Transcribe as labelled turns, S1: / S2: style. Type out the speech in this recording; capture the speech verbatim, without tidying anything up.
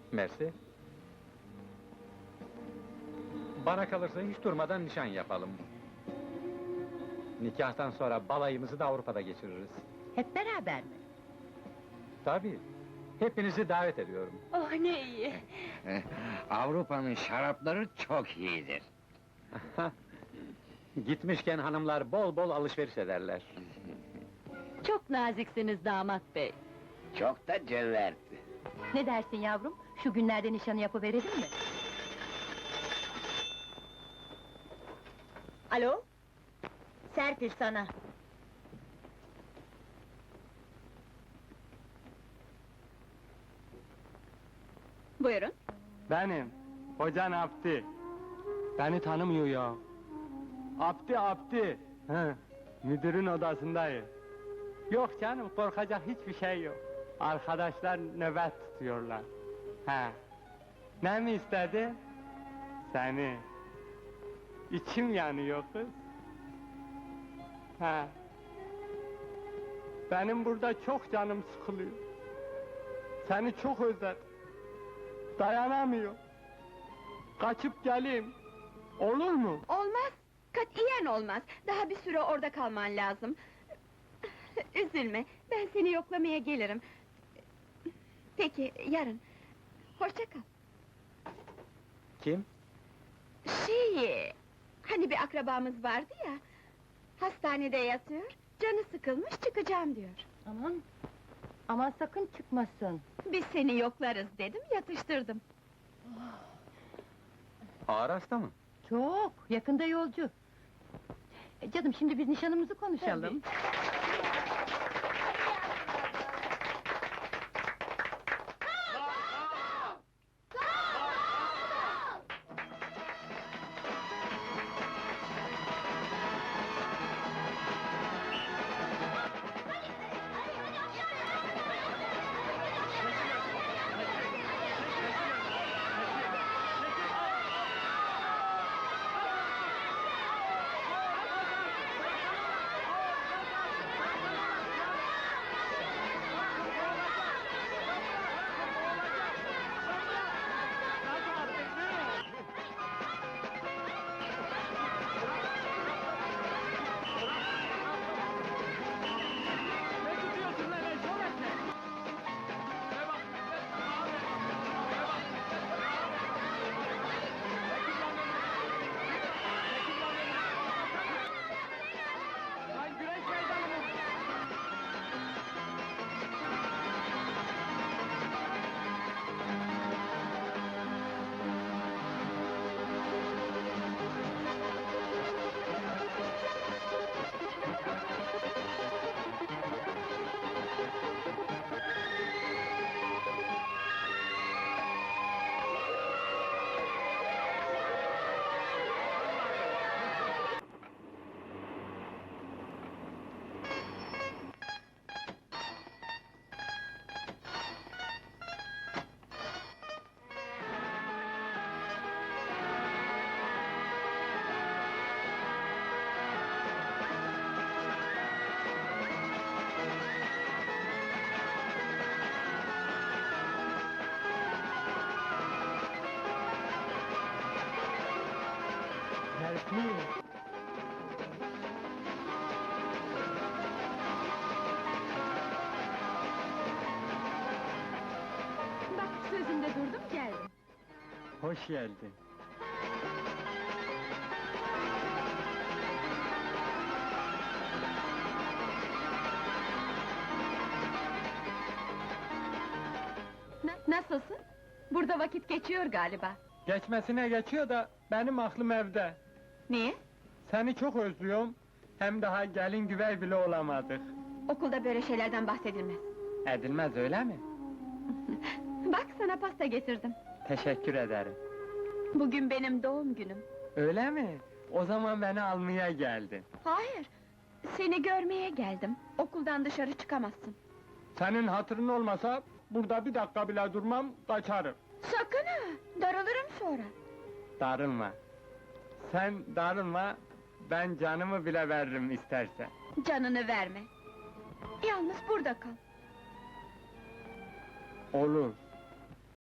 S1: Mersi. Bana kalırsa hiç durmadan nişan yapalım. Nikahtan sonra balayımızı da Avrupa'da geçiririz.
S2: Hep beraber mi?
S1: Tabii. Hepinizi davet ediyorum.
S2: Oh ne iyi!
S3: Avrupa'nın şarapları çok iyidir.
S1: Gitmişken hanımlar bol bol alışveriş ederler.
S2: Çok naziksiniz damat bey!
S3: Çok da cömert.
S2: Ne dersin yavrum? Şu günlerde nişanı yapıverelim mi? Alo? Serpil sana! Buyurun!
S4: Benim, hocan Abdi. Beni tanımıyor ya. Abdi, Abdi! Hı, müdürün odasındayım. Yok canım, korkacak hiçbir şey yok. Arkadaşlar nöbet tutuyorlar. He. Ne mi istedi? Seni. İçim yanıyor kız. He. Benim burada çok canım sıkılıyor. Seni çok özledim. Dayanamıyor. Kaçıp geleyim. Olur mu?
S5: Olmaz, katiyen olmaz. Daha bir süre orada kalman lazım. Üzülme, ben seni yoklamaya gelirim. Peki, yarın. Hoşça kal.
S1: Kim?
S5: Şey, hani bir akrabamız vardı ya... Hastanede yatıyor, canı sıkılmış çıkacağım diyor.
S2: Aman! Aman sakın çıkmasın!
S5: Biz seni yoklarız dedim, yatıştırdım.
S1: Ağır hasta mı?
S2: Çok! Yakında yolcu! E, Canım şimdi biz nişanımızı konuşalım.
S4: Serpil!
S5: Bak, sözümde durdum, geldim.
S4: Hoş geldin.
S5: Na- nasılsın? Burada vakit geçiyor galiba.
S4: Geçmesine geçiyor da benim aklım evde.
S5: Niye?
S4: Seni çok özlüyorum. Hem daha gelin güvey bile olamadık.
S5: Okulda böyle şeylerden bahsedilmez.
S4: Edilmez öyle mi?
S5: Bak, sana pasta getirdim.
S4: Teşekkür ederim.
S5: Bugün benim doğum günüm.
S4: Öyle mi? O zaman beni almaya geldin.
S5: Hayır, seni görmeye geldim. Okuldan dışarı çıkamazsın.
S4: Senin hatırın olmasa burada bir dakika bile durmam, kaçarım.
S5: Sakın ha, darılırım sonra.
S4: Darılma. Sen darılma, ben canımı bile veririm istersen.
S5: Canını verme. Yalnız burada kal.
S4: Olur.